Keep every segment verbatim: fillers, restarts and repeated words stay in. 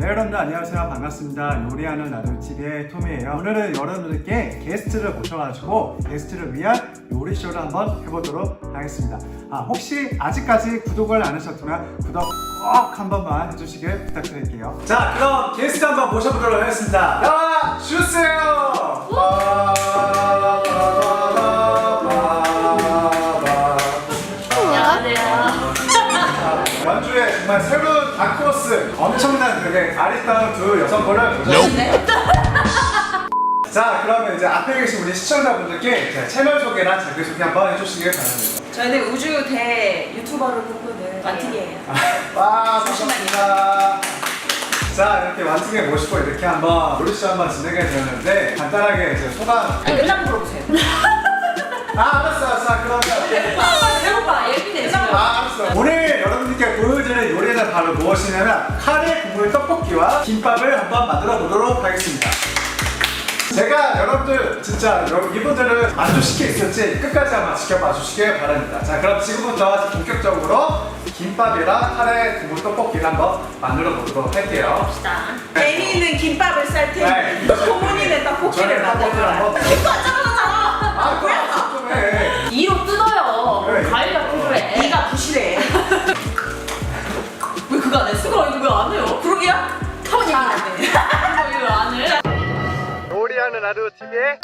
네, 여러분들 안녕하세요. 반갑습니다. 요리하는 나도티비의 톰이에요. 오늘은 여러분들께 게스트를 모셔가지고 게스트를 위한 요리쇼를 한번 해보도록 하겠습니다. 아, 혹시 아직까지 구독을 안 하셨다면 구독 꼭 한 번만 해주시길 부탁드릴게요. 자, 그럼 게스트 한번 모셔보도록 하겠습니다. 나와 주세요. 연주에 정말 새로운 다크호스, 엄청난 되게 아리따운 두 여성분을 모셨습니다. 자, 그러면 이제 앞에 계신 우리 시청자분들께 이제 채널 소개나 자기소개 한번 해주시길 바랍니다. 저희는 우주 대 유튜버를 꿈꾸는 완틱이에요. 와, 반갑습니다. 자, 이렇게 완틱에 모시고 이렇게 한번 요리쇼 한번 진행해 드렸는데 간단하게 이제 소감. 아니, 끝나고 물어보세요. 아, 알았어, 알았어. 그러면. 배고파, 배고파. 예민해, 지금. 아, 알았어. 오늘 여러분들께 보여드릴 요리는 바로 무엇이냐면 카레 국물 떡볶이와 김밥을 한번 만들어 보도록 하겠습니다. 제가 여러분들 진짜 이분들을 만족시킬 수 있을지 끝까지 한번 지켜봐 주시길 바랍니다. 자, 그럼 지금부터 본격적으로 김밥이랑 카레 국물 떡볶이를 한번 만들어 보도록 할게요. 애니는 김밥을 쌀 테니 소문이는 떡볶이를 만들어라. 이거 짜증나잖아. 아, 뭐야? 좀 해. 이로 뜯어요. 그래. 과일이가 필요해. 네가 부실해. 왜 그거 안 해? 수가 이거 왜 안 해요? 그러기야? 타원 얘기 안 해. 이거 왜 안 해? 요리하는 하루 티비의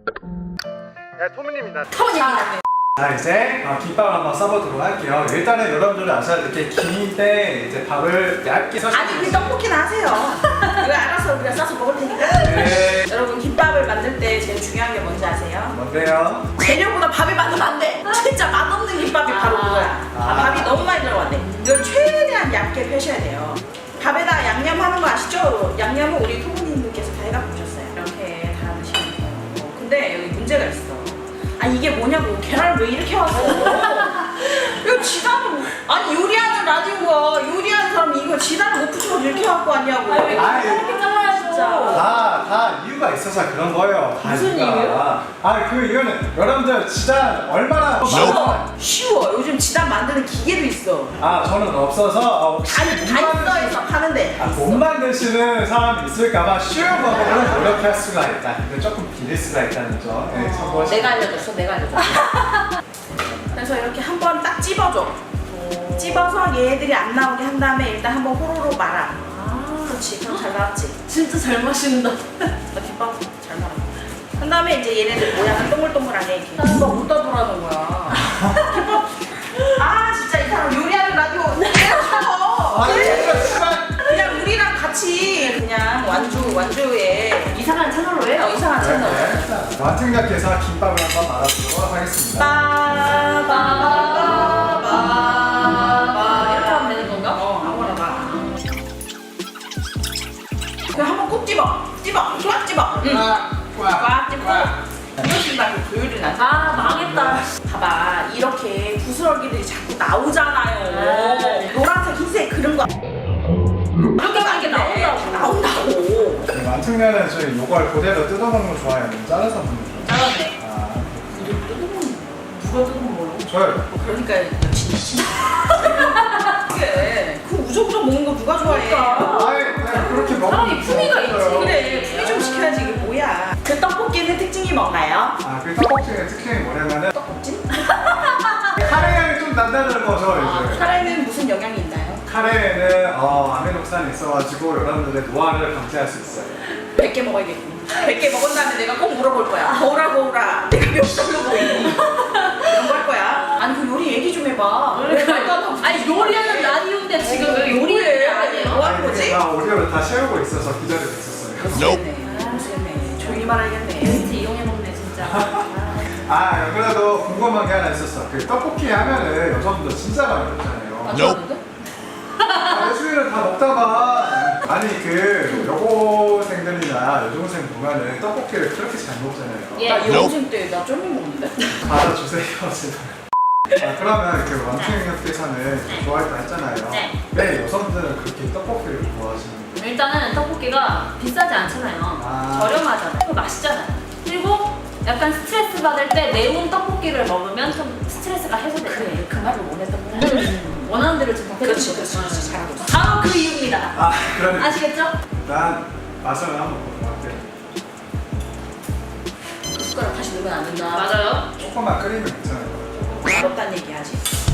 토미입니다. 타원 얘기 안 해. 자, 이제 어, 김밥을 한번 써보도록 할게요. 일단은 여러분들은 아셔야 될 게 김인데 이제 밥을 얇게 써주세요. 아니, 우리 떡볶이는 하세요. 이거 알아서 우리가 싸서 먹을 테니까. 네. 여러분, 김밥을 만들 때 제일 중요한 게 뭔지 아세요? 뭔데요? 재료보다 밥이 많으면 안 돼. 진짜 맛없는 김밥이 바로 아. 그거야. 아. 밥이 너무 많이 들어갔네. 이걸 최대한 얇게 펴셔야 돼요. 밥에다 양념 하는 거 아시죠? 양념은 우리 토부님들께서 다 해갖고 오셨어요. 이렇게 다 넣으시면 돼요. 어, 근데 여기 문제가 있어. 아, 이게 뭐냐고. 계란을 왜 이렇게 왔어? 이거 지단을 아니, 요리하는 라디오가 요리하는 사람이 이거 지단을 못 붙여서 이렇게 갖고 왔냐고. 아니, 왜 아이. 이렇게 잘라야죠? 진짜. 다, 다 이유가 있어서 그런 거예요. 다 무슨 이유가. 이유요? 아, 그 이유는 여러분들 진짜 얼마나 쉬워. 쉬워. 요즘 지단 만드는 기계도 있어. 아, 저는 없어서 어, 혹시 아니, 못 단서에서 파는데. 아, 못 만드시는 사람이 있을까봐 쉬운 방법으로 노력할 수가 있다. 근데 조금 비릴 수가 있다는 점. 네, 참고하시고. 내가 알려줬어, 내가 알려줬어. 그래서 이렇게 한번 딱 찝어줘. 찝어서 얘들이 안 나오게 한 다음에 일단 한번 호로로 말아. 아, 그렇지. 그럼 잘 나왔지. 진짜 잘 마신다. 나 김밥 잘 나와. 한 다음에 이제 얘네들 모양을 동글동글하게 이렇게. 김밥 못 따돌아는 거야. 김밥. 아, 진짜 이 사람 요리하는 라디오 내가 아, 죽어. 이거 정말. 그냥 우리랑 같이 그냥 완주 완주에 이상한 채널로 해요. 어, 이상한 채널. 완승작께서 김밥을 한번 말아보도록 하겠습니다. 빠바바바바 이렇게 하면 되는 건가? 어, 아무거나 봐. 그냥 한번 꼭 찝어. 찝어. 꽉 찝어. 응. 꽉 찝고. 이것이 말고 조율이 나지. 아, 망했다. 봐봐. 이렇게 부스러기들이 자꾸 나오잖아요. 네. 노란색, 흰색 그런 거. 이렇게 하는 게 나온다고. 나온다고. 완승작은 저희 요걸 그대로 뜯어먹는 거 좋아해요? 잘라서 먹는 거 좋아해요? 잘하네. 아, 누가 뜯은 거요? 저요. 그러니까 역시 미친. 그게 그 우적우적 먹는 거 누가 좋아해? 그러니까. 아이, 네, 그렇게 먹으면 사람이 품위가 있지. 그래, 품위 좀 시켜야지. 이게 뭐야? 그 떡볶이는 특징이 뭔가요? 아, 그 떡볶이의 특징이 뭐냐면은 떡볶이? 카레 향이 좀 난다는 거죠, 아, 이제. 카레는 무슨 영양이 있나요? 카레에는 어, 아미노산이 있어가지고 여러분들의 노화를 방지할 수 있어요. 백 개 먹어야겠군. 백 개 먹은 다음에 내가 꼭 물어볼 거야. 거울아, 거울아. 내가 몇 살로 보이니? 이런 거 할 거야. 아니, 그 요리 얘기 좀 해봐. 왜 말도 안 하고. 아니, 요리하는 라디오인데 지금 왜 요리를 아니에요? 뭐 하는 거지? 아, 오디오를 다 채우고 있어서 기다리고 있었어요. 모르겠네. 모르겠네. 조용히 말하겠네. 진짜 이용해먹네, 진짜. 아, 그래도 궁금한 게 하나 있었어. 그 떡볶이 하면은 여성분들 진짜 많이 먹잖아요. 안 좋았는데? 아, 매주일을 다 먹다가 아니 그 여고생들이나 여중생 보면은 떡볶이를 그렇게 잘 먹잖아요. 예. 나 여고생 때 나 쫄면 먹는데? 받아주세요, 제발. 아, 그러면 그 왕庆님께서는 좋아했다 했잖아요. 네. 왜 여성분들은 그렇게 떡볶이를 좋아하시는 거예요? 일단은 떡볶이가 비싸지 않잖아요. 아. 저렴하잖아요. 그리고 맛있잖아요. 그리고 약간 스트레스 받을 때 매운 떡볶이를 먹으면 좀 스트레스가 해소돼요. 그래, 그 말을 원했던 거야. 음, 원하는 대로 좀 그렇지, 해주는 그렇지, 거죠. 그렇지. 잘하고 있어. 바로 그 이유입니다. 아 그러면 아시겠죠? 난 맛을 한번 보도록 할게요. 그 숟가락 다시 넣으면 안 된다. 맞아요. 조금만 끓이면 괜찮아요. 맛없다는 얘기 하지.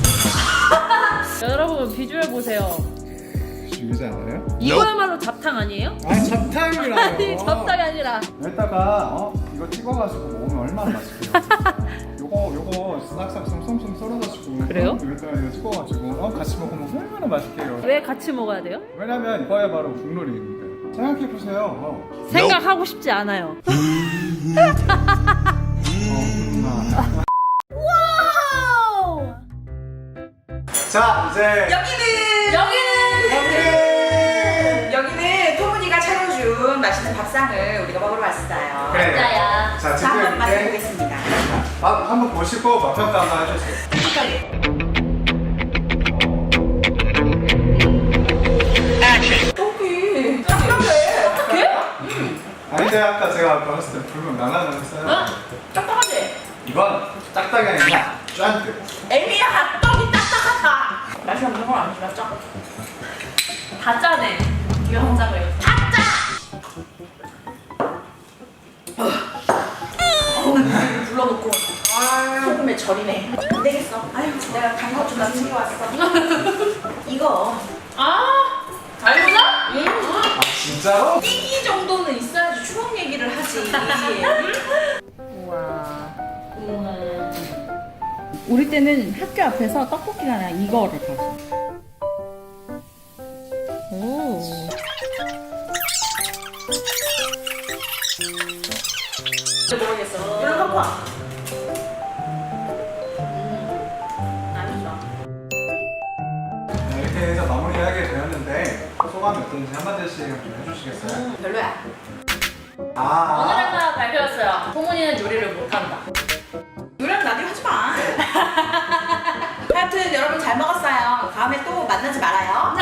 여러분 비주얼 보세요. 죽이지 않아요? 이거야말로 잡탕 아니에요? 아니 잡탕이라요. 아니 잡탕이 아니라. 여기다가 어 이거 찍어가지고 먹으면 얼마나 맛있게요. 요거 요거 싹싹 쏨쏨 썰어가지고 그래요? 어, 여기다가 이거 찍어가지고 어, 같이 먹으면 얼마나 맛있게요. 왜 같이 먹어야 돼요? 왜냐면 이거야 바로 국룰입니다. 생각해 보세요. 어. 생각하고 싶지 않아요. 어, 음, 와우! 자 이제 여기는 여기는 여기는 여기는 토문이가 차려준 맛있는 밥상을 우리가 먹으러 왔어요. 그래. 진짜야. 자 자, 한번 지금 맛을 이제 보겠습니다. 맛 한번 보시고 맛 평가 한번 해주세요. 솔직하게. 떡이 딱딱해. 아니 근데 아까 제가 아까 했을 때 불면 나가는 했어요. 어? 딱딱하지? 이건 딱딱이 아니라 쫀득. 애미야, 떡이 딱딱하다. 맛이 없는 건 아니지, 맞죠? 다 짜네. 이거 혼자 그래요. 다 짜! 어우, 불러놓고 소금에 절이네. 안 되겠어. 아유, 내가 단거 좀 챙겨왔어. 이거 아, 알구나? 응? 아 진짜로? 띠기 정도는 있어야지 추억 얘기를 하지. 우와. 우리 때는 학교 앞에서 떡볶이가 아니라 이거를 봤어. 오. 진짜 모르겠어. 이런 거 봐. 맛있어. 네, 이렇게 해서 마무리하게 되었는데 소감이 어떤지 한마디씩 좀 해주시겠어요? 음, 별로야. 아 오늘은 발표였어요. 소문이는 요리를 못한다. 노래는 라디오 하지 마. 하여튼 여러분 잘 먹었어요. 다음에 또 만나지 말아요.